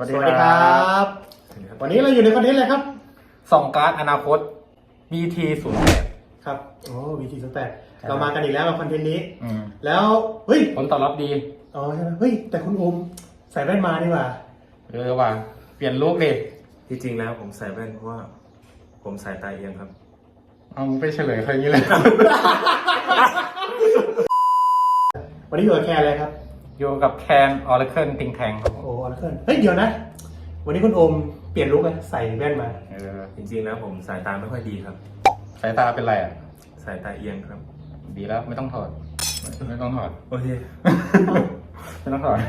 สวัสดีครับวันนี้เราอยู่ในคอนเทนต์อะไรครับส่องการ์ดอนาคต BT08 ครับโอ้ BT08 เรามากันอีกแล้วกับคอนเทนต์นี้แล้วเฮ้ยผลตอบรับดีอ๋อใช่ไหมเฮ้ยแต่คุณโอมใส่แว่นมาดีกว่าว่าเปลี่ยนลุคดิที่จริงแล้วผมใส่แว่นเพราะว่าผมสายตาเอียงครับเอาไปเฉลยใครนี้เลยวันนี้อยู่กับแคร์อะไรครับอยู่กับแคนออร์เคิลติงแทงครับโอ้ออร์เคิลเฮ้ยเดี๋ยวนะวันนี้คุณโอมเปลี่ยนลุคเลยใส่แว่นมาจริงๆแล้วผมสายตาไม่ค่อยดีครับสายตาเป็นไรอ่ะสายตาเอียงครับดีแล้วไม่ต้องถอดไม่ต้องถอดโอเคไม่ต้องถอด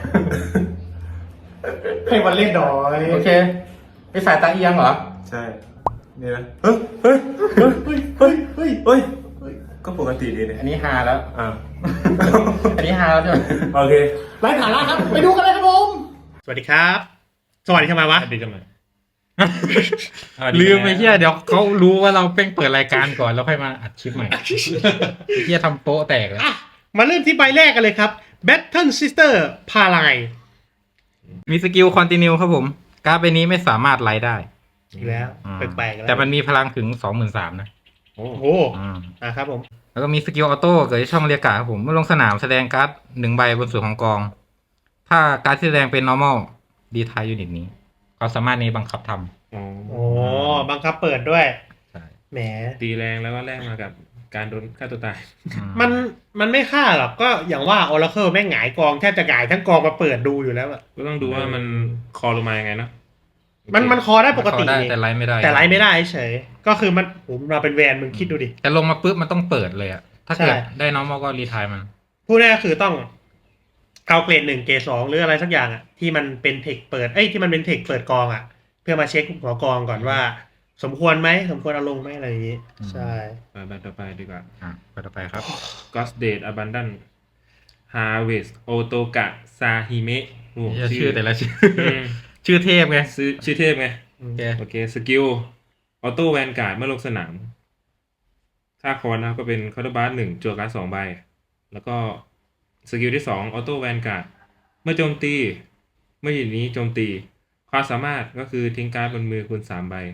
ให้วันเล่นดอยโอเคไปสายตาเอียงเหรอใช่นี่นะเฮ้ยเฮ้ยเฮ้ยเฮ้ยเฮ้ยเฮ้ยก็ปกติดีเนี่ยอันนี้ฮาแล้วอันนี้ฮาแล้วใช่ไหมโอเคไร้ฐานะครับไปดูกันเลยครับผมสวัสดีครับสวัสดีทำไมวะสวัสดีทำไมลืมไปเฮียเดี๋ยวเขารู้ว่าเราเพิ่งเปิดรายการก่อนแล้วค่อยมาอัดคลิปใหม่เฮียทำโป๊ะแตกแล้วมาเริ่มที่ใบแรกกันเลยครับ Battle Sister พาไลมีสกิลคอนติเนียครับผมการ์ดใบนี้ไม่สามารถไลฟ์ได้อีกแล้วแปลกๆแล้วแต่มันมีพลังถึง 23,000 นะโอ้โหครับผมแล้วก็มีสกิลออโต้เกิดที่ช่องเรียกการ์ดครับผมเมื่อลงสนามแสดงการ์ด1 ใบบนส่วนของกองถ้าการ์ดที่แสดงเป็น normal ดีทายยูนิตนี้ความสามารถนี้บังคับทำโอ้บังคับเปิดด้วยใช่แหมตีแรงแล้วก็แลกมากับการโดนฆ่าตัวตายมันไม่ฆ่าหรอกก็อย่างว่า Oracle แม่งหงายกองแทบจะหงายทั้งกองมาเปิดดูอยู่แล้วอะก็ต้องดูว่ามันคอลงมายังไงเนาะมันคอได้ปกติแต่ไลฟ์ไม่ได้เฉยก็คือมันผมมาเป็นแวนมึงคิดดูดิแต่ลงมาปุ๊บมันต้องเปิดเลยอะถ้าเกิดได้ normal ก็รีทายมันพูดง่ายๆคือต้องเอาเกรด 1 เกรด 2หรืออะไรสักอย่างอะที่มันเป็นเทคเปิดที่มันเป็นเทคเปิดกองอะเพื่อมาเช็คหัวกองก่อนว่าสมควรไหมสมควรเอาลงไหมอะไรอย่างนี้ใช่ไปต่อไปดีกว่าไปต่อไปครับ Ghost Date Abundant Harvest Otoka Sahime ชื่อแต่ละชื่อเทพไงชื่อเทพไงโอเคสกิลออโต้แวนการ์ดเมื่อลงสนามถ้าคอนนะครับก็เป็นคาร์ดบาร์1จั่วการ์ด2 ใบแล้วก็สกิลที่2ออโต้แวนการ์ดเมื่อโจมตีเมื่ออยู่นี้โจมตีความสามารถก็คือทิ้งการ์ดบนมือคุณ3 ใบ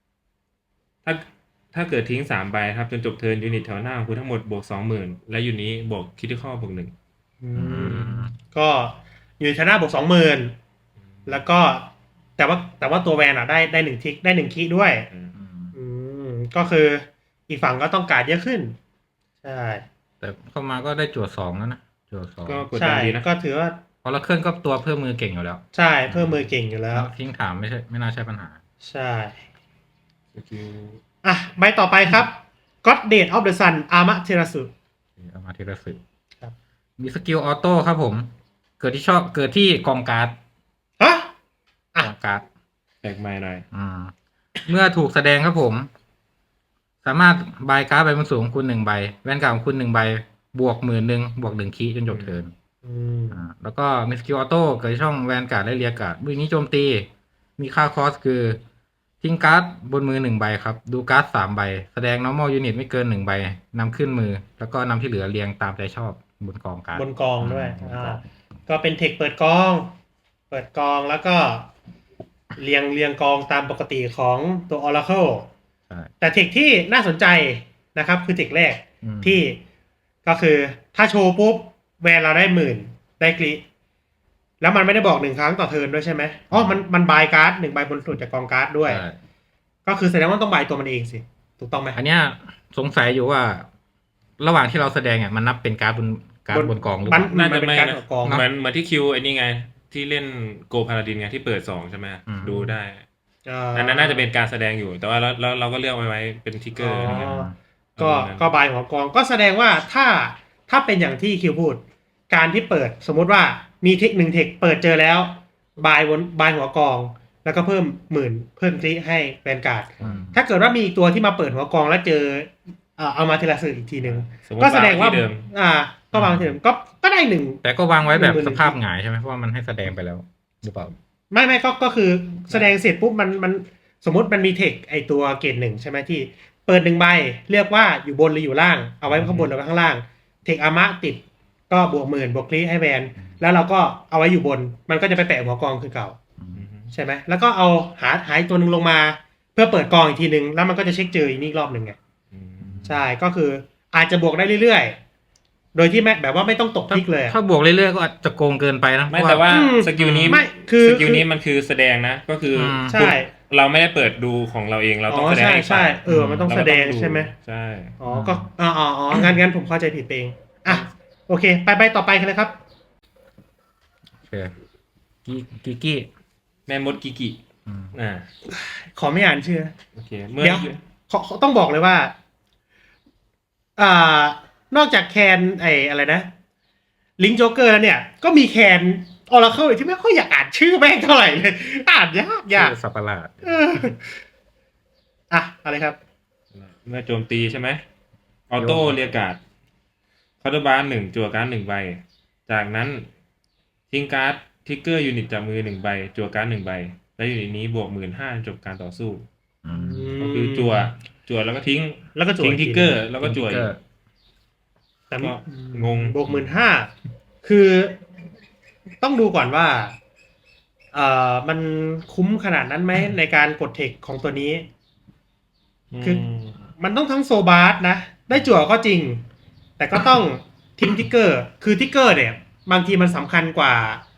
ถ้าเกิดทิ้ง3 ใบครับจนจบเทิร์นยูนิตแถวหน้าของคุณทั้งหมดบวก 20,000 และอยู่นี้บวกคริติคอลบวก 1 ก็อยู่ชนะบวก 20,000แล้วก็แต่ว่าตัวแวนอ่ะได้1 ทิกได้1 คีย์ด้วยก็คืออีกฝั่งก็ต้องการเยอะขึ้นใช่แต่เข้ามาก็ได้จั่ว2แล้วนะจั่ว2 ก็กดดันดีนะก็ถือว่าพอเราเคลื่อนก็ตัวเพิ่มมือเก่งอยู่แล้วใช่เพิ่มมือเก่งอยู่แล้วทิ้งถามไม่น่าใช่ปัญหาใช่ใบต่อไปครับ God Date of the Sun อามาเทราสึครับมีสกิลออโต้ครับผมเกิดที่กองการ์ดกองการ์ดแปลกใหม่หน่อยเมื่อถูกแสดงครับผมสามารถบายการ์ดใบบนสูงของคุณ1 ใบแวนการ์ดของคุณ1 ใบบวก 10,000 บวก 1 คีย์จนจบเทิร์นแล้วก็มีสกิลออโต้เกิดช่องแวนการ์ดและเรียการ์ดมือนี้โจมตีมีค่าคอสคือทิ้งการ์ดบนมือ1 ใบครับดูการ์ด3 ใบแสดง normal unit ไม่เกิน1 ใบนำขึ้นมือแล้วก็นำที่เหลือเรียงตามใจชอบบนกองการ์ดบนกองด้วยก็เป็นเทคเปิดกองแล้วก็เรียงกองตามปกติของตัว Oracle แต่เทคที่น่าสนใจนะครับคือเทคแรกที่ก็คือถ้าโชว์ปุ๊บแวนเราได้ 10,000 ได้กริแล้วมันไม่ได้บอก1 ครั้งต่อเทิร์นด้วยใช่ไหมมันบายการ์ด1 ใบบนสุดจากกองการ์ดด้วยก็คือแสดงว่าต้องบายตัวมันเองสิถูกต้องไหมอันเนี้ยสงสัยอยู่ว่าระหว่างที่เราแสดงอ่ะมันนับเป็นการ์ดบนกองหรือเปล่าน่าจะเป็นการ์ดกองเหมือนที่คิวไอ้นี่ไงที่เล่นโกพาราดินไงที่เปิด2ใช่ไหมดูได้อันนั้นน่าจะเป็นการแสดงอยู่แต่ว่าเราก็เลือกไว้เป็นทิกเกอร์ก็บายหัวกองก็แสดงว่าถ้าเป็นอย่างที่คิวพูดการที่เปิดสมมุติว่ามีเทค1 เทคเปิดเจอแล้วบายหัวกองแล้วก็เพิ่ม 10,000 เพิ่มคลิให้แวนการ์ดถ้าเกิดว่ามีตัวที่มาเปิดหัวกองแล้วเจอเอามาเทเลสึอีกทีนึงก็แสดงว่าก็วางที่เดิมก็ได้1 แต่ก็วางไว้แบบสภาพหงายใช่ไหมเพราะว่ามันให้แสดงไปแล้วหรือเปล่าไม่ก็คือแสดงเสร็จปุ๊บมันสมมติมันมีเทคไอตัวเกรด 1ใช่ไหมที่เปิด1 ใบเลือกว่าอยู่บนหรืออยู่ล่างเอาไว้ข้างบนหรือไว้ข้างล่างเทคอามะติดก็บวก 10,000 บวกคลิให้แวนแล้วเราก็เอาไว้อยู่บนมันก็จะไปแปะหัวกองคือเก่าใช่ไหมแล้วก็เอาหายตัวหนึ่งลงมา เพื่อเปิดกองอีกทีหนึ่งแล้วมันก็จะเช็คเจออีกนี่รอบหนึ่งไงอืมใช่ก็คืออาจจะบวกได้เรื่อยๆ โดยที่แบบว่าไม่ต้องตกทิกเลยถ้าบวกเรื่อยๆก็อาจจะโกงเกินไปนะไม่เพระแต่ว่าอืมสกิลนี้ไม่คือสกิลนี้มันคือแสดงนะ ก็คืออใช่เราไม่ได้เปิดดูของเราเองเราอ๋ต้องอแสดงใช่ให้ใช่ฝ่ายมันต้องแสดงใช่ไหมใช่อ๋อก็งั้นผมเข้าใจผิดเองอ่ะโอเคไปต่อไปกันเลยครับโอเคกิกี้แม่มดกิกิอ่าขอไม่อ่านชื่อโอเคเมื่อเดี๋ยวเขาต้องบอกเลยว่า นอกจากแคนอะไรนะลิงโจ๊กเกอร์แล้วเนี่ย ก็มีแคนออราเคิลที่ไม่ค่อยอยากอ่านชื่อแม่งเท่าไหร่เลย อ่านยากชื่อสับประหลาดเอออะไรครับเมื่อโจมตีใช่ไหมออโต้เรียกการ์ดคาร์ดบาร์หนึ่งจั่วการ์ดหนึ่งใบ จากนั้นทิ้งการ์ดทิกเกอร์ยูนิตจากมือหนึ่งใบจั่วการ์ดหนึ่งใบ และยูนิตนี้บวก15,000จบการต่อสู้ ก็คือจั่วแล้วก็ทิ้งแล้วก็จั่วทิ้งอีกทีทิกเกอร์ แล้วก็จั่วอีกแต่ก็งงบวก15,000คือต้องดูก่อนว่ามันคุ้มขนาดนั้นไหม ในการกดเทคของตัวนี้ คือ มันต้องทั้งโซบาร์สนะ ได้จั่วก็จริง แต่ก็ต้องทิ้งทิกเกอร์ คือทิกเกอร์เนี่ย บางทีมันสำคัญกว่า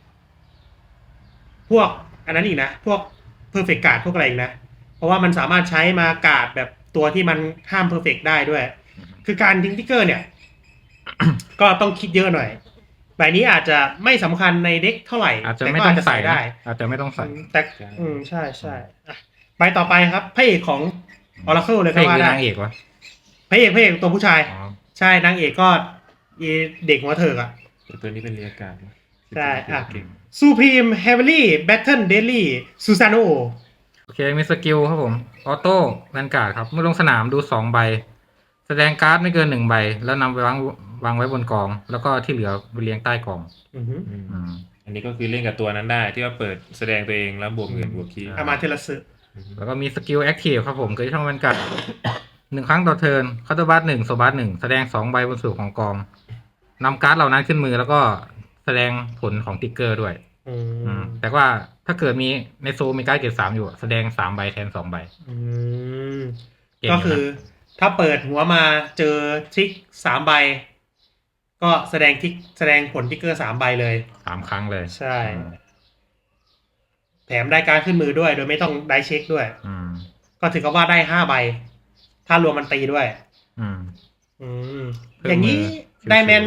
พวกอันนั้นอีกนะ พวกเพอร์เฟกต์การ์ดพวกอะไรอีกนะ เพราะว่ามันสามารถใช้มาการ์ดแบบตัวที่มันห้ามเพอร์เฟกต์ได้ด้วย คือการทิ้งทิกเกอร์เนี่ย ก็ต้องคิดเยอะหน่อยใบนี้อาจจะไม่สำคัญในเด็กเท่าไหร่อาจจะแต่ไม่ก็ต้ออาง จจะใส่ใส่ได้ได้อาจจะไม่ต้องใส่แต่ใช่อ่ะใบต่อไปครับพระเอกของออราเคิลเลยพก็ระเอกหรือว่าได้นางเอกวะพระเอกตัวผู้ชายอ๋อใช่นางเอกก็อีเด็กหัวเถิกอ่ะแต่ตัวนี้เป็นเรียกการ์ดนะใช่อ่ะเก่ง Supreme Heavily Battle Daily Susano โอเคมีสกิลครับผมออโต้แวนการ์ดครับเมื่อลงสนามดู2 ใบ แสดงการ์ดไม่เกิน1 ใบ แล้วนำไปวางไว้บนกอง แล้วก็ที่เหลือไปเรียงใต้กองอือหืออืมอันนี้ก็คือเล่นกับตัวนั้นได้ที่ว่าเปิดแสดงตัวเองแล้วบวกเงินบวกคีย์อามาเทลสึแล้วก็มีสกิลแอคทีฟครับผมคือช่องแวนการ์ด 1 ครั้งต่อเทิร์นคาร์ดบัส1โซบัส1แสดง2 ใบบนสูงของกองนำการ์ดเหล่านั้นขึ้นมือแล้วก็แสดงผลของติ๊กเกอร์ด้วย แต่ว่าถ้าเกิดมีในโซมีการ์ดเกรด3อยู่แสดง3 ใบแทน2 ใบ เก่งอยู่นะก็คือถ้าเปิดหัวมาเจอทริก3 ใบ ก็แสดงผลทิกเกอร์3 ใบเลย 3 ครั้งเลยใช่ แถมได้การดขึ้นมือด้วย โดยไม่ต้องได้เช็คด้วยอืมก็ถือกับว่าได้5 ใบ ถ้ารวมมันตีด้วยอืมอืมเพิ่มอย่างนี้มือชิวๆไดแมน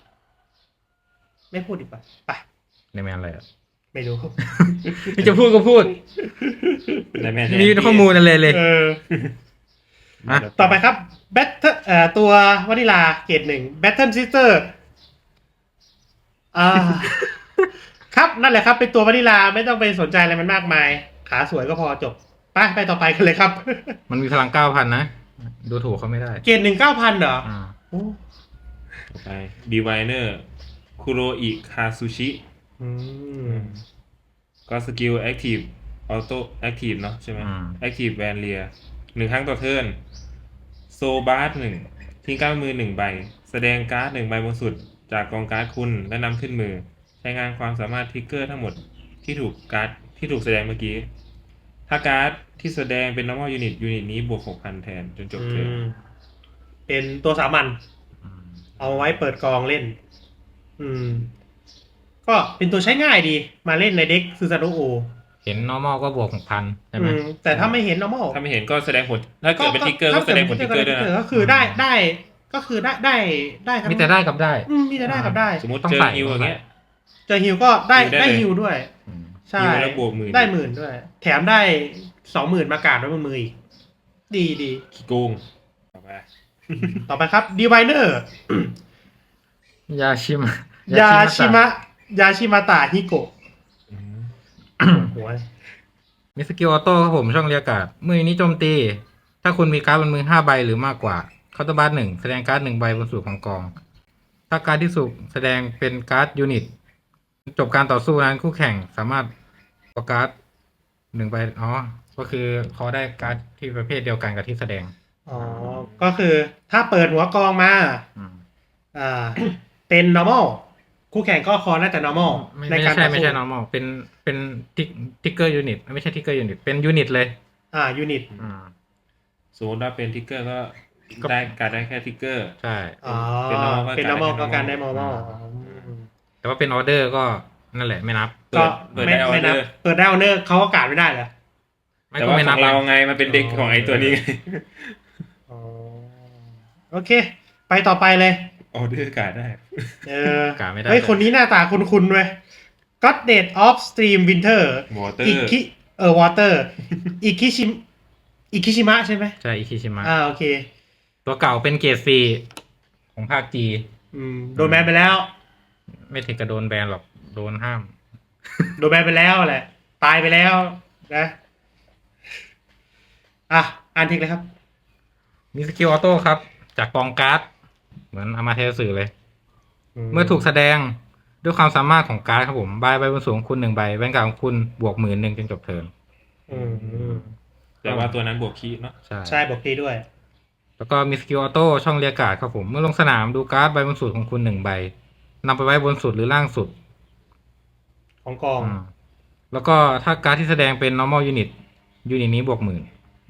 ไม่พูดดีกว่าไปในแมนอะไรอ่ะไม่รู้ที่จะพูดก็พูดได้แม่มีข้อมูลอะไรเลย อ่ะต่อไปครับแบทเทตัววานิลาเกรด1 Battle Sister ครับนั่นแหละครับ เป็นตัววานิลาไม่ต้องไปสนใจอะไรมันมากมาย ขาสวยก็พอจบ ไปต่อไปกันเลยครับมันมีพลัง 9,000 นะ ดูถูกเขาไม่ได้เกรด9,000เหรออ่าโอ้ต่อไปดีไวเนอร์คุโรอิคาซูชิ ก็สกิลแอคทีฟออโต้แอคทีฟเนาะใช่ไหมแอคทีฟแวนเลีย1 ครั้งต่อเทิร์นโซบาร์หนึ่งทิ้งการ์ดมือ1 ใบ แสดงการ์ด1 ใบบนสุดจากกองการ์ดคุณและนำขึ้นมือ ใช้งานความสามารถทริกเกอร์ทั้งหมดที่ถูกแสดงเมื่อกี้ ถ้าการ์ดที่แสดงเป็น normal unit นี้บวก 6,000 แทนจนจบเทิร์นเป็นตัวสามัญอืมเอาไว้เปิดกองเล่น ก็เป็นตัวใช้ง่ายดี มาเล่นในเด็กซูซาโนโอเห็น normal ก็บวก 6,000 ใช่ไหมแต่ถ้าไม่เห็น normal ถ้าไม่เห็นก็แสดงผล ถ้าเกิดเป็นทริกเกอร์ก็แสดงผลทริกเกอร์ด้วยนะก็คือได้ก็คือได้ทั้งมีแต่ได้กับได้มีแต่ได้กับได้สมมติต้องเจอใส่ฮิวอย่างเงี้ยเจอฮิวก็ได้ฮิวได้เลยฮิวด้วยอืมใช่ฮิวแล้วบวก10,000 ได้10,000ด้วย แถมได้20,000มากาดไว้บนมืออีก ดีขี้โกงต่อไปต่อไปครับดีไวเนอร์ยาชิมะยาชิมะตะฮิโกะหัวมีสกิลออโต้ครับผมช่องเรียกการ์ดมือนี้โจมตี ถ้าคุณมีการ์ดบนมือ5 ใบหรือมากกว่าเคาน์เตอร์บัส1แสดงการ์ด1 ใบบนสูงของกอง ถ้าการ์ดที่สุกแสดงเป็นการ์ดยูนิตจบการต่อสู้นั้นคู่แข่งสามารถเอาการ์ด1 ใบก็คือเขาได้การ์ดที่ประเภทเดียวกันกับที่แสดงก็คือถ้าเปิดหัวกองมาอืมเป็น normal คู่แข่งก็คอน่าจะ normal ในการต่อสู้ไม่ใช่ normal เป็นทิกเกอร์ยูนิตไม่ใช่ทิกเกอร์ยูนิตเป็นยูนิตเลยยูนิตอ่าสมมติว่าเป็นทิกเกอร์ก็ได้การได้แค่ทิกเกอร์ใช่อ๋อเป็น normal เป็นก็ normal การได้ก็การได้ normal normal แต่ว่าเป็นออเดอร์ก็นั่นแหละไม่นับก็เปิดได้ไม่นับ order เปิดได้ออเดอร์เขาก็การไม่ได้เหรอแต่ว่าของเราไงมันเป็นเด็กของไอ้ตัวนี้ไงอ๋อโอเค ไปต่อไปเลยออเดอร์การได้การไม่ได้เฮ้ยคนนี้หน้าตาคุ้นๆเว้ย Goddess of Stream Winter วอเตอร์อิคิWater อิคิชิมะใช่ไหมใช่อิคิชิมะโอเคตัวเก่าเป็นเกรดซีของภาคจีโดนแบนไปแล้วไม่ถึงกับโดนแบนหรอกโดนห้ามโดนแบนไปแล้วแหละ ตายไปแล้วนะอ่านเทคเลยครับมีสกิลออโต้ครับ จากกองการ์ด เหมือนอามาเทสื่อเลย เมื่อถูกแสดงด้วยความสามารถของการ์ดครับผมใบบนสูงคุณ1ใบแวนการ์ดของคุณบวก10,000จนจบเทิร์นแต่ว่าตัวนั้นบวกคีย์เนาะใช่บอกตีด้วยแล้วก็มีสกิลออโต้ช่องเรียกการ์ดครับผมเมื่อลงสนามดูการ์ดใบบนสุดของคุณ1ใบนำไปไว้บนสุดหรือล่างสุดของกองแล้วก็ถ้าการ์ดที่แสดงเป็น normal unit นี้บวก10,000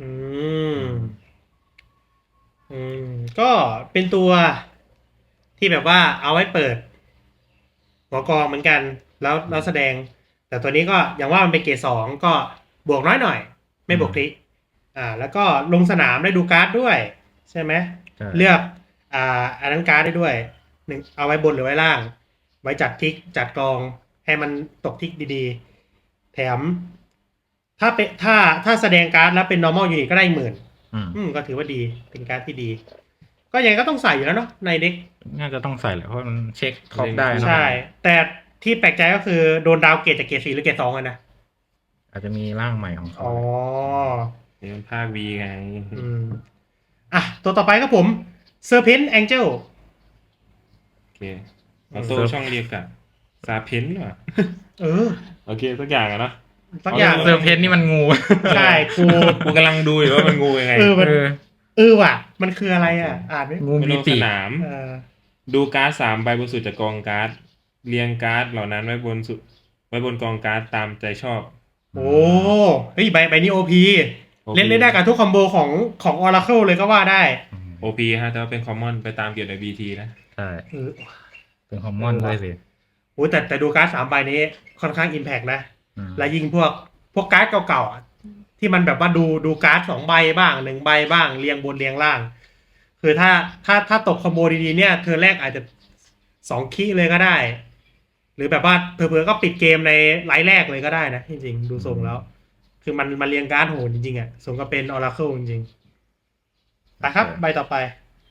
ก็เป็นตัวที่แบบว่าเอาไว้เปิดหัวกองเหมือนกัน แล้วแสดง แต่ตัวนี้ก็อย่างว่ามันเป็นเกรด2ก็บวกน้อยหน่อย ไม่บวกคลิกแล้วก็ลงสนามได้ดูการ์ดด้วย ใช่ไหมใช่เลือกอันนั้นการ์ดได้ด้วยเอาไว้บนหรือไว้ล่าง ไว้จัดทิกจัดกองให้มันตกทิกดีๆ แถม ถ้าแสดงการ์ดแล้วเป็น normal unit ก็ได้10,000ก็ถือว่าดีเป็นการ์ดที่ดี ก็ยังไงก็ต้องใส่อยู่แล้วเนาะในเด็กน่าจะต้องใส่แหละเพราะมันเช็คท็อปได้นะใช่ แต่ที่แปลกใจก็คือโดนดาวเกรดจากเกรด4หรือเกรด2กันนะอาจจะมีร่างใหม่ของเขานี่มันภาควีไงตัวต่อไปครับผม Serpent Angel โอเคออโต้ช่องเรียกกับซาเพนหรอ โอเคสักอย่างอะนะสักอย่างเซอร์เพนนี่มันงูใช่กูกำลังดูอยู่ว่ามันงูยังไงว่ะ มันคืออะไรอ่านไม่งูไม่มีลงปีสกนาม ดูการ์ด3 ใบบนสุดจากกองการ์ด เรียงการ์ดเหล่านั้นไว้บนกองการ์ดตามใจชอบเฮ้ยใบนี้ OP เล่นได้กับทุกคอมโบของ Oracle เลยก็ว่าได้ OP ฮะแต่ว่าเป็นคอมมอนไปตามเกี่ยวกับ BT นะใช่เป็นคอมมอนด้วยสิแต่ดูการ์ด3 ใบนี้ค่อนข้าง Impact นะ และยิ่งพวกการ์ดเก่าๆที่มันแบบว่าดูการ์ด2 ใบบ้าง1 ใบบ้างเรียงบนเรียงล่าง คือถ้าตกคอมโบดีๆเนี่ยเธอแรกอาจจะ2 คีย์เลยก็ได้ หรือแบบว่าเผลอๆก็ปิดเกมในไลฟ์แรกเลยก็ได้นะจริงๆดูทรงแล้ว คือมันเรียงการ์ดโหดจริงๆสมก็เป็น Oracle จริงๆนะครับใบต่อไป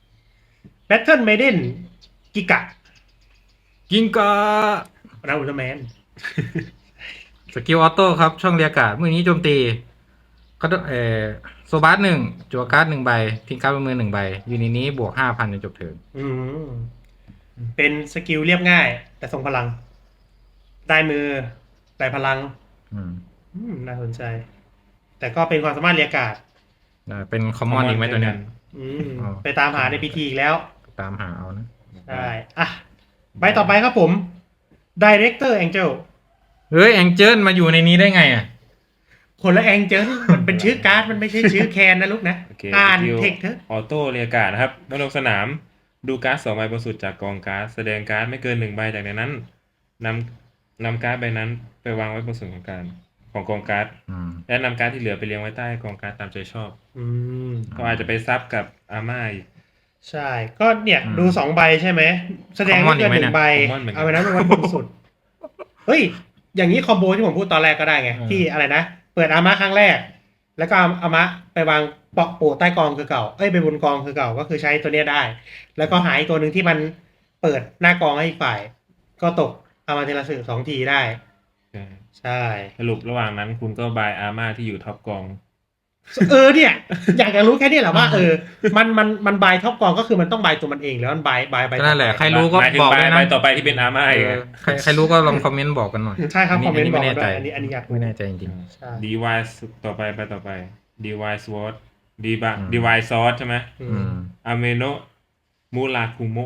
Battle Maiden กิกะกิงกานะอุลตร้าแมนสกิลออโต้ครับ ช่องเรียกการ์ดเมื่อนี้โจมตีก็โซบาร์1จั่วการ์ด1ใบทิ้งการ์ดบนมือ1ใบยูนิตนี้บวก 5,000จนจบเทิร์นเป็นสกิลเรียบง่าย แต่ทรงพลัง ได้มือได้พลังน่าสนใจ แต่ก็เป็นความสามารถเรียกการ์ดเป็นคอมมอนอีกไหมตัวเนี้ยไปตามหาในพิธีอีกแล้วตามหาเอานะใช่ใบต่อไปครับผม Director Angel เฮ้ยแองเจิลมาอยู่ในนี้ได้ไงอ่ะคนละ Angel มันเป็นชื่อการ์ดมันไม่ใช่ชื่อแคนนะลูกนะโอเคอ่านสกิลเทคเถอะออโต้เรียกการ์ดนะครับเมื่อลงสนาม ดูการ์ด2 ใบบนสุดจากกองการ์ด แสดงการ์ดไม่เกิน1 ใบจากในนั้นนำการ์ดใบนั้นไปวางไว้บนส่วนของกองการ์ด และนำการ์ดที่เหลือไปเรียงไว้ใต้กองการ์ดตามใจชอบ ก็อาจจะไปซับกับอาม่าอีกใช่ ก็เนี่ยดู2 ใบใช่ไหม แสดงไม่เกิน1 ใบ Common เหมือนกันเอาไปนั้นไว้บนสุด เฮ้ย อย่างนี้คอมโบที่ผมพูดตอนแรกก็ได้ไง ที่อะไรนะ เปิดอาม่าครั้งแรก แล้วก็เอาอาม่าไปวางโปะใต้กองคือเก่า ไปบนกองคือเก่า ก็คือใช้ตัวเนี้ยได้ แล้วก็หาอีกตัวหนึ่งที่มันเปิดหน้ากองให้อีกฝ่าย ก็ตกอามาเทลสึ2 ทีได้ ใช่สรุประหว่างนั้นคุณก็บายอาม่าที่อยู่ท็อปกองเนี่ย อยากจะรู้แค่นี้แหละว่ามันบายท็อปกองก็คือมันต้องบายตัวมันเองแล้วมันบายก็นั่นแหละใครรู้ก็หมายถึงบอกใบด้วยใบนะต่อไปที่เป็นอาม่าอีกอะใครรู้ก็ลองคอมเมนต์บอกกันหน่อยใช่ครับคอมเมนต์บอกไม่แน่ด้ใจวยอันนี้อยากรู้ไม่แน่ใจจริงใช่ดีวายต่อไปต่อไปดีวายสวอตดีวายซอสใช่ไหมๆอเมโนะมูราคุโมะ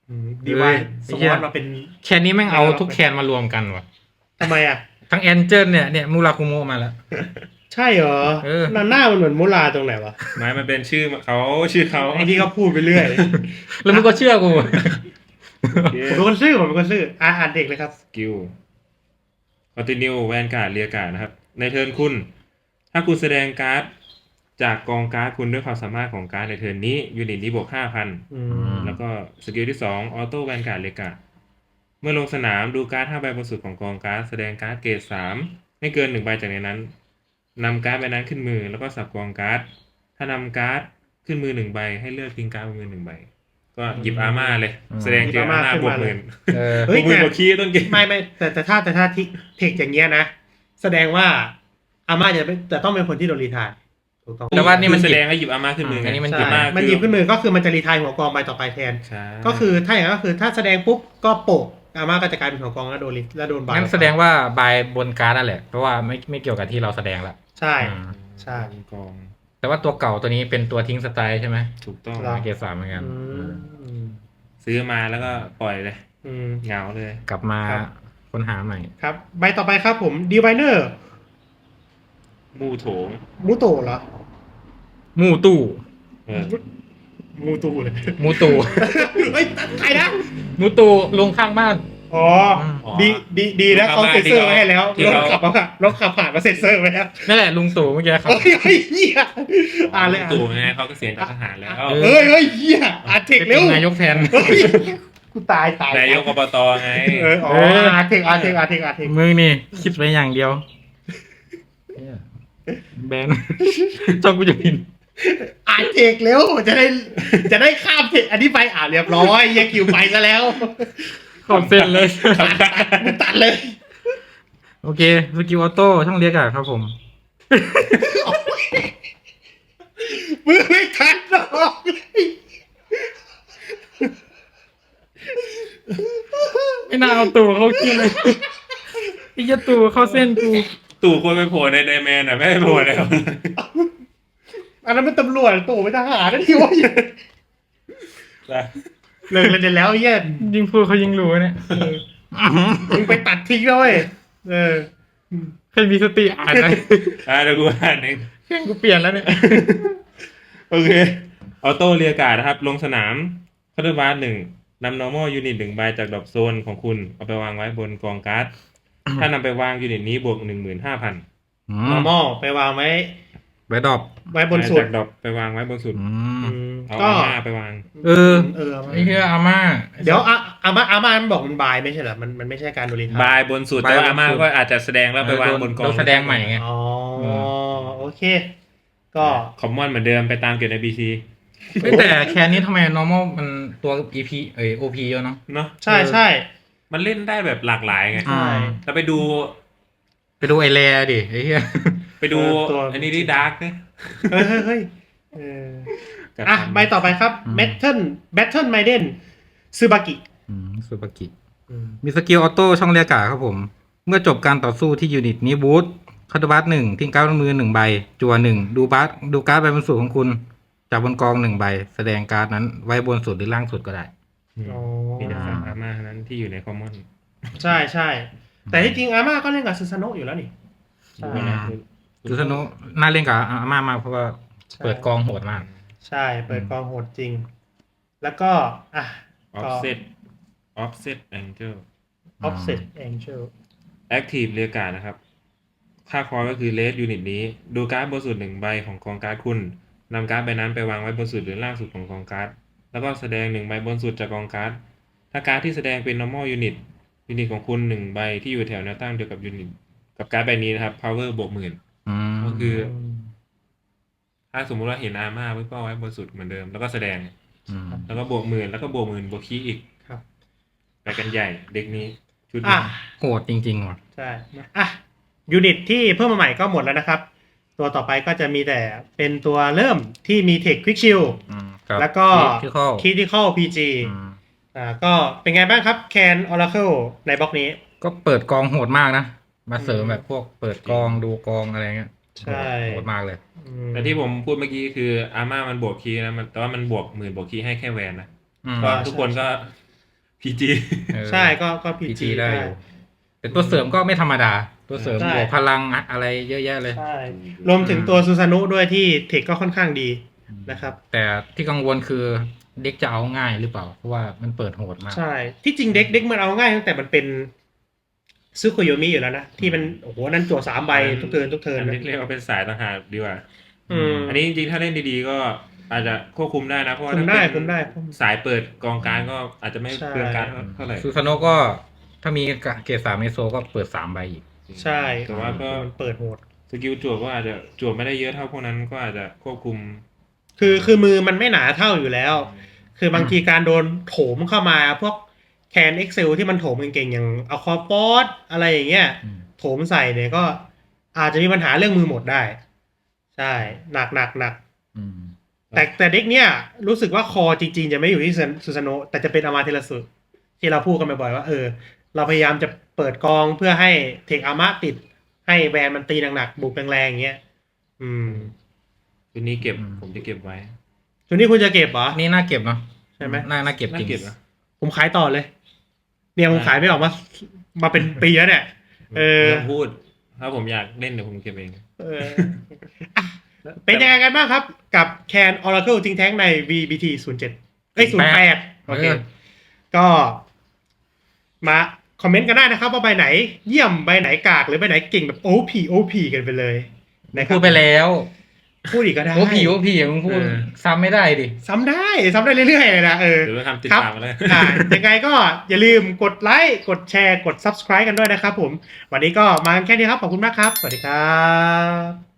ดีไวไอ้สเหี้วอย ตมาเป็นแคนนี้แม่งเอาทุกแคนมารวมกันว่ะทำไมอ่ะทั้งแอนเจิลเนี่ยมูราคุโมะมาแล้วใช่เหรอเออหน้ามันเหมือนมุลาตรงไหนวะไม้มันเป็นชื่อชื่อเขาไอ้นี่ก็พูดไปเรื่อยแล้วมึงก็เชื่อกูโอเคผมเป็นคนซื่อผมเป็นคนซื่ออ่านเด็กเลยครับสกิลคอนติเนียแวนการ์ดเรียการ์ดนะครับ ในเทิร์นคุณ ถ้าคุณแสดงการ์ดจากกองการ์ดคุณด้วยความสามารถของการ์ดในเทิร์นนี้ยูนิตนี้บวก 5,000 อืมแล้วก็สกิลที่2ออโต้แวนการ์ดเรียการ์ดเมื่อลงสนามดูการ์ด5 ใบบนสุดของกองการ์ดแสดงการ์ดเกรด3ไม่เกิน1 ใบจากในนั้นนำการ์ดใบนั้นขึ้นมือแล้วก็สับกองการ์ดถ้านำการ์ดขึ้นมือ1 ใบให้เลือกทิ้งการ์ดบนมือ1 ใบก็หยิบอาม่าเลย แสดงเจออาม่าบวก 10,000 เออเฮ้ยบวก 10,000บวกคีย์ต้นเกมไม่แต่ถ้าเทคอย่างเงี้ยนะ แสดงว่าอาม่าจะต้องเป็นคนที่โดนรีไทายถูกต้องแต่ว่านี่มันแสหยิบดงให้หยิบอาม่าขึ้นมืออันนี้มันใช่หยิบมันหยิบขึ้นมือก็คือมันจะรีไทายหัวกองใบต่อไปแทนใช่ก็คือถ้าอย่างนั้นก็คือถ้าแสดงปุ๊บก็โปะอาม่าก็จะกลายเป็นหัวกองแล้วโดนใบงั้นแสดงว่าบายบนการ์ดนั่นแหละเพราะว่าไม่เกี่ยวกับที่เราแสดงละใช่อืมใช่กองแต่ว่าตัวเก่าตัวนี้เป็นตัวทิ้งสไตล์ใช่ไหมถูกต้องครับเกียร์สามเหมือนกันอืมซื้อมาแล้วก็ปล่อยเลยอืมเหงาเลยกลับมาครับค้นหาใหม่ครับใบต่อไปครับผมดีไวเนอร์มูโถงมูโตะเหรอมูตู้เออมูตูเลยมูตู้เฮ้ยใครนะมูตู้ลงข้างบ้านอ๋อดีนะเขาเซ็นเซอร์ไว้ให้แล้วรถขับผ่านมาเซ็นเซอร์ไว้แล้วนั่นแหละลุงตู่เมื่อกี้ครับเฮ้ยเหี้ยอ่านเลยตู่ไงเขาก็เสียจากทหารแล้วเออเฮ้ยเหี้ยอ่านเทคเป็เร็วนายกแทนเฮ้ยกูตายนายกอบตไงอ่านเทคมึงนี่คิดไปอย่างเดียวแบน จ้องกูจะพินอ่านเทคเร็วจะได้ข้ามเทคอันนี้ไปอ่านเรียบร้อยยังคิวไปซะแล้วขอบเส้นเลยมึงตัดเลยโอเคสกิลออโต้ช่องเรียกอะครับผมมึงไม่ทันหรอกเลยไม่น่าเอาตู่เขาคิดเลยไอ้เหี้ยตู่เข้าเส้นกูตู่ควรไปโผล่ในไดแมนอ่ะไม่ไปโผล่แล้วอันนั้นเป็นตำรวจตู่เป็นทหารนั่นที่ว่าเลิกเลยแล้วเหี้ยยิงพูดเขายิงรู้เนี่ยมึงไปตัดทิ้งแล้วเว้ยเออใครมีสติอ่านนะเดี๋ยวกูอ่านเองเครื่องกูเปลี่ยนแล้วเนี่ยโอเคออโต้เรียการ์ดนะครับ ลงสนามคาร์ดบาร์1นำ normal unit 1 ใบจากดรอปโซนของคุณเอาไปวางไว้บนกองการ์ดถ้านำไปวางยูนิตนี้บวก 15,000 normal ไปวางไว้ไว้ดรอปไว้บนสุดจากดรอปไปวางไว้บนสุด เอาก็อาม่าไปวางเออเออไอ้เหี้ยอาม่าเดี๋ยวอาม่ามันบอกมันบายไม่ใช่เหรอมันไม่ใช่การโดนรีไทบายบนสุดแต่ว่าอาม่าก็อาจจะแสดงแล้วไปวางบนกองเราแสดงใหม่ไงอ๋อโอเค ก็คอมมอนเหมือนเดิมไปตามเกี่ยวใน BC เฮ้ยแต่แคนนี้ทำไม normal มันตัว EP OP เยอะเนาะเนาะใช่มันเล่นได้แบบหลากหลายไงใช่แล้วไปดูไปดูไอแลดิไอ้เหี้ยไปดูตัวอันนี้ที่ดาร์กนะเฮ้ยอ่ะใบต่อไปครับ Battle Maiden ซึบากิสุบากิ มีสกิลออโต้ช่องเรียกกาครับผม เมื่อจบการต่อสู้ที่ยูนิตนี้บูทคาร์ดบัส1ทิ้งการ์ดบนมือ1 ใบ จั่ว1ดูการ์ดใบบนสุดของคุณ จากบนกอง1 ใบ แสดงการ์ดนั้นไว้บนสุดหรือล่างสุดก็ได้อ๋อมีแต่ฝั่งอาม่านั้นที่อยู่ในคอมมอนใช่แต่ที่จริงอาม่าก็เล่นกับซูซาโนะอยู่แล้วนี่ ใช่คือสนุกน่าเล่นกับอาม่ามากเพราะว่าเปิดกองโหดมากใช่เปิดกองโหดจริง แล้วก็อ่ะ Offset Angel Offset Angel Active เรียกการ์ดนะครับ ค่าคอร์ก็คือเลสยูนิตนี้ ดูการ์ดบนสุด1 ใบของกองการ์ดคุณนำการ์ดใบนั้นไปวางไว้บนสุดหรือล่างสุดของกองการ์ดแล้วก็แสดง1 ใบบนสุดจากกองการ์ดถ้าการ์ดที่แสดงเป็น normal unit ของคุณ1 ใบที่อยู่แถวแนวตั้งเดียวกับยูนิตกับการ์ดใบนี้นะครับ power บวก 10,000 ก็คือ ถ้าสมมุติว่าเห็นอาม่าก็ไว้บนสุดเหมือนเดิม แล้วก็แสดง แล้วก็บวก 10,000 แล้วก็บวก 10,000 บวกคีย์อีกครับไปกันใหญ่เด็กนี้ชุดอ่ะนี้โหดจริงๆว่ะใช่อ่ะยูนิตที่เพิ่มมาใหม่ก็หมดแล้วนะครับ ตัวต่อไปก็จะมีแต่เป็นตัวเริ่มที่มีเทคควิกชิลแล้วก็ Critical PG ก็เป็นไงบ้างครับแคน Oracle ในบล็อกนี้ก็เปิดกองโหดมากนะ มาเสริมแบบพวกเปิดกองดูกองอะไรเงี้ยใช่โหดมากเลยแต่ที่ผมพูดเมื่อกี้คืออาม่ามันบวกคีย์นะแต่ว่ามันบวก 10,000 บวกคีย์ให้แค่แวนนะอืมก็ทุกคนก็ PG ใช่ก็พี PG จีได้อยู่แต่ตัวเสริมก็ไม่ธรรมดา ตัวเสริมใช่บวกพลังอะไรเยอะแยะเลยใช่รวมถึงตัวซูซานุด้วยที่เทคก็ค่อนข้างดีนะครับแต่ที่กังวลคือเด็กจะเอาง่ายหรือเปล่า เพราะว่ามันเปิดโหดมากใช่ ที่จริงเด็กมันเอาง่ายตั้งแต่มันเป็นซึโคโยมิอยู่แล้วนะ ที่มันโอ้โหนั่นจั่ว3 ใบทุกเทิร์นอันนะนี้เรียกว่าเป็นสายต่างหากดีกว่าอืมอันนี้จริงๆถ้าเล่นดีๆก็อาจจะควบคุมได้นะเพราะว่าคุมได้ถ้าเป็นคุมได้สายเปิดกองการก็อาจจะไม่ใช่เปลืองการเท่าไหร่ซูซาโนะก็ถ้ามีเกรด3ในโซก็เปิด3 ใบอีกใช่แต่ว่าก็มันเปิดโหดสกิลจั่วก็อาจจะจั่วไม่ได้เยอะเท่าพวกนั้นก็อาจจะควบคุมคือมือมันไม่หนาเท่าอยู่แล้ว คือบางทีการโดนโถมเข้ามาพวกแคนเอ็กเซลที่มันโถมเก่งๆอย่างเอาคอปอสอะไรอย่างเงี้ยอืมโถมใส่เนี่ยก็อาจจะมีปัญหาเรื่องมือหมดได้ ใช่หนักอืมแต่เด็กเนี่ยรู้สึกว่าคอจริงๆ จะไม่อยู่ที่ซูซาโนะแต่จะเป็นอามาเทลสุที่เราพูดกันบ่อยๆว่าเราพยายามจะเปิดกองเพื่อให้เทคอามะติดให้แวนมันตีหนักๆบุกแรงๆอย่างเงี้ยชุดนี้เก็บอืมผมจะเก็บไว้ตัวนี้คุณจะเก็บเหรอนี่น่าเก็บเนาะใช่ไหมน่าเก็บจริน่าง เก็บนะผมขายต่อเลย เนี่ยผมขายไม่ออกมาเป็นปีแล้วเนี่ยไม่ต้องพูด ถ้าผมอยากเล่นเดี๋ยวผมเก็บเองอ่ะเป็นยังไงกันบ้างครับ กับแคน Oracle ทิ้งแท้งใน VBT 0708โอเค ก็มาคอมเมนต์กันได้นะครับว่าใบไหนเยี่ยมใบไหนกากหรือใบไหนเก่งแบบ OP กันไปเลยนะครัพูบดไปแล้วพูดอีกก็ได้โอพีมึงพูดซ้ำไม่ได้ดิซ้ำได้เรื่อยๆเลยนะหรือว่าทำติดครับตามมาเลยยังไงก็อย่าลืมกดไลค์กดแชร์กด subscribe กันด้วยนะครับผม วันนี้ก็มากันแค่นี้ครับ ขอบคุณมากครับ สวัสดีครับ